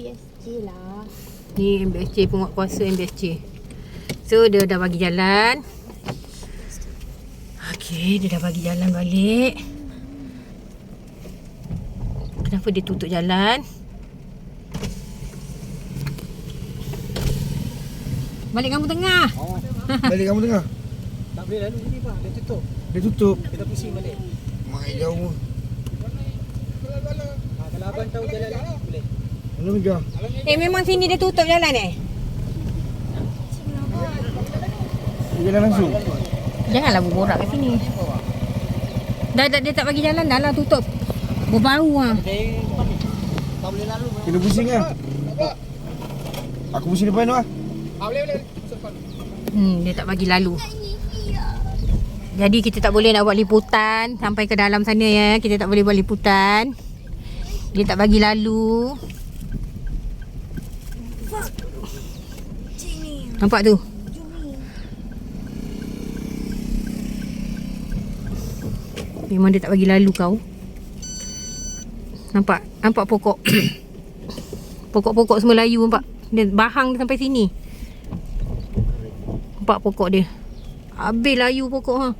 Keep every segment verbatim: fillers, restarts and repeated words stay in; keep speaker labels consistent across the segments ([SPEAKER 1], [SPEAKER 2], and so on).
[SPEAKER 1] B S J lah.
[SPEAKER 2] Ni M B S J, penguatkuasa M B S J. So dia dah bagi jalan. Okey, dia dah bagi jalan balik. Kenapa dia tutup jalan? Balik kamu tengah.
[SPEAKER 3] Oh. Balik kamu tengah.
[SPEAKER 4] Tak boleh lalu sini pak, dia tutup.
[SPEAKER 3] Dia tutup.
[SPEAKER 4] Kita pusing balik.
[SPEAKER 3] Mai jauh.
[SPEAKER 4] Ha, kalau abang tahu jalan lagi boleh.
[SPEAKER 3] Mana Mega?
[SPEAKER 2] Eh memang sini dia tutup jalan eh?
[SPEAKER 3] Dia jalan langsung.
[SPEAKER 2] Janganlah berborak kat sini. Dah, dah dia tak bagi jalan dah lah, tutup. Berbau ah.
[SPEAKER 4] Dia depan ni. Tak boleh lalu.
[SPEAKER 3] Kena pusing kan? Aku pusing depan tu ah.
[SPEAKER 4] Ha, boleh boleh.
[SPEAKER 2] Hmm, dia tak bagi lalu. Jadi kita tak boleh nak buat liputan sampai ke dalam sana ya. Kita tak boleh buat liputan. Dia tak bagi lalu. Nampak tu? Memang dia tak bagi lalu kau. Nampak? Nampak pokok? Pokok-pokok semua layu nampak? Dia bahang dia sampai sini. Nampak pokok dia? Habis layu pokok ha.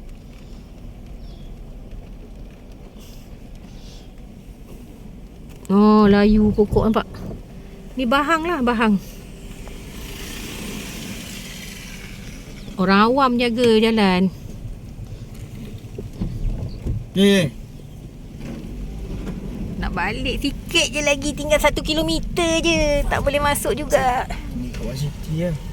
[SPEAKER 2] Oh, layu pokok nampak? Ni bahang lah, bahang. Orang awam jaga jalan.
[SPEAKER 3] Eh.
[SPEAKER 2] Nak balik sikit je lagi, tinggal satu kilometer je. Tak boleh masuk juga.
[SPEAKER 3] Ni kawasan city lah.